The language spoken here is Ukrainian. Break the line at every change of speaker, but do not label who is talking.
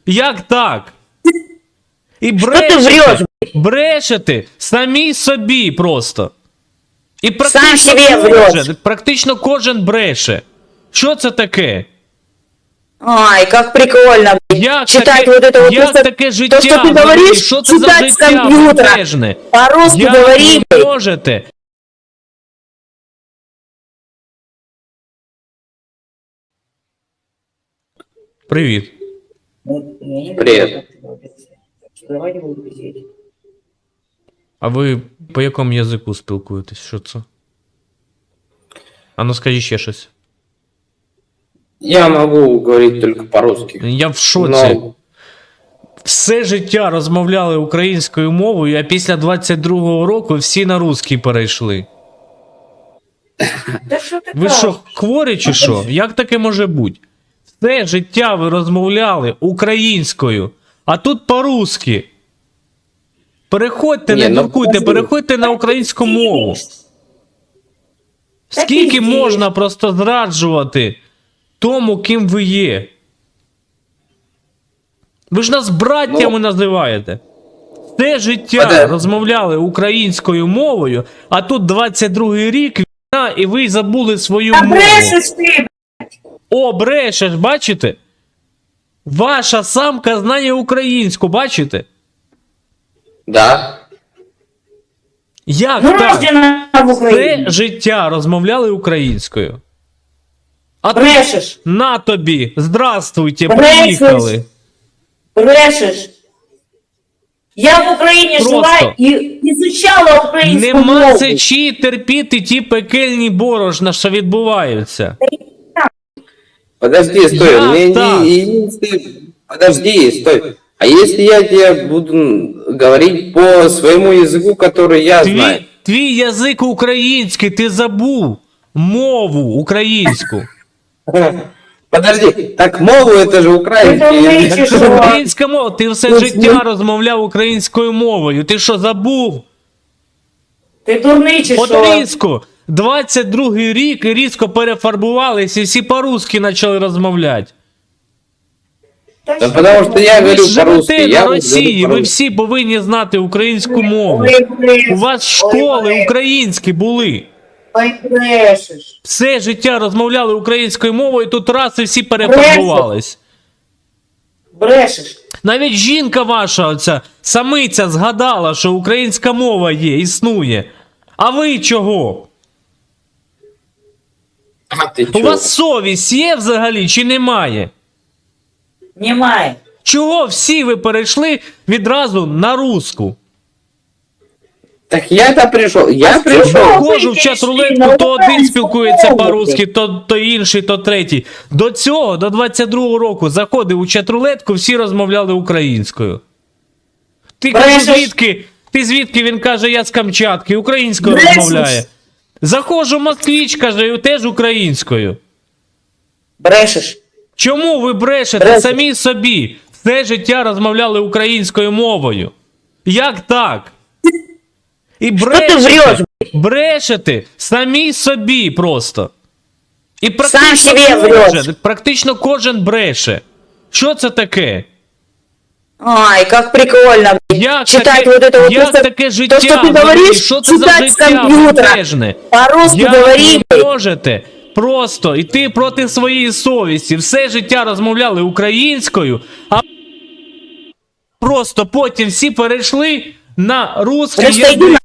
Як так? І брешете самі собі просто. І практично кожен бреше. Що це таке?
Ай, как прикольно,
Як
читать
таке,
вот это вот,
як таке життя?
то, что ты говоришь,
Що це за
читать с
життя
компьютера,
безмежне?
по-русски
Як
говори.
ви можете? Привіт.
Привет.
А ви по якому язику спілкуєтесь? Що це? А ну скажіть ще щось.
Я могу говорить только по-русски.
Я в шоці.
Но
Все життя розмовляли українською мовою, а після 22-го року всі на русський перейшли. Ви що, хворі чи що? Як таке може бути? Все життя ви розмовляли українською, а тут по-русски. Переходьте, не дуркуйте, переходьте на українську мову. Скільки можна просто зраджувати тому, ким ви є? Ви ж нас браттями називаєте. Все життя розмовляли українською мовою, а тут 22-й рік війна, і ви забули свою мову.
Брешешь ты,
О, брешеш, бачите? Ваша самка знає українську, бачите?
да.
Як так?
рождена в
Все
Украине.
життя розмовляли українською. А тут
Брешешь,
на тобі, здравствуйте,
Брешеш.
приїхали.
брешешь. Я в Украине
Просто.
жила и изучала украинскую
Нема
мову.
сечі терпіти ті пекельні борошна, що відбуваються.
Подожди, стой.
Я так.
Подожди, стой. А если я тебе буду говорить по своему языку, который я знаю?
Твій язик український, ти забув мову українську.
Подожди, так мову это же украинский язык.
Українська мова, ти все життя розмовляв українською мовою. Ти що, забув?
Ти дурний чи
От
що?
різко, 22-й рік і різко перефарбувалися і всі по-русски почали розмовляти.
Да потому что я
Ви
говорю
ж
по-русски.
живете
Я
на
говорю
Росії, ви
по-русски.
всі повинні знати українську мову.
Ой, брешеш.
У вас школи українські були.
Ой, брешеш.
Все життя розмовляли українською мовою, тут раз і всі перефарбувались.
Брешеш.
Навіть жінка ваша, оця самиця, згадала, що українська мова є, існує. А ви чого?
А ты
У
чё?
вас совість є взагалі чи немає?
Немає.
Чого всі ви перейшли відразу на руску?
Так я-то пришел. Я
чего?
пришел.
Заходжу в чат-рулетку, то один спілкується по-русски, то інший, то третій. До цього, до 22-го року, заходив у чат-рулетку, всі розмовляли українською. Ти кажеш, звідки? Ти звідки? Він каже, я з Камчатки, українською
Брешеш.
розмовляє. Заходжу в Москвич, каже, теж українською.
Брешеш.
Чому ви брешете
Брешеш.
самі собі? Все життя розмовляли українською мовою. Як так? І брешете самі собі просто. І практично кожен бреше. Що це таке?
Ай, как прикольно,
Як
читать
таке,
вот это вот,
як
то,
таке
то,
життя?
что ты
взагалі?
говоришь,
Що це за
читать с
життя
компьютера,
безмежне?
по-русски
Як
говори.
ви можете просто йти проти своєї совісті? Все життя розмовляли українською, а просто потім всі перейшли на русский
Просто йди
язик.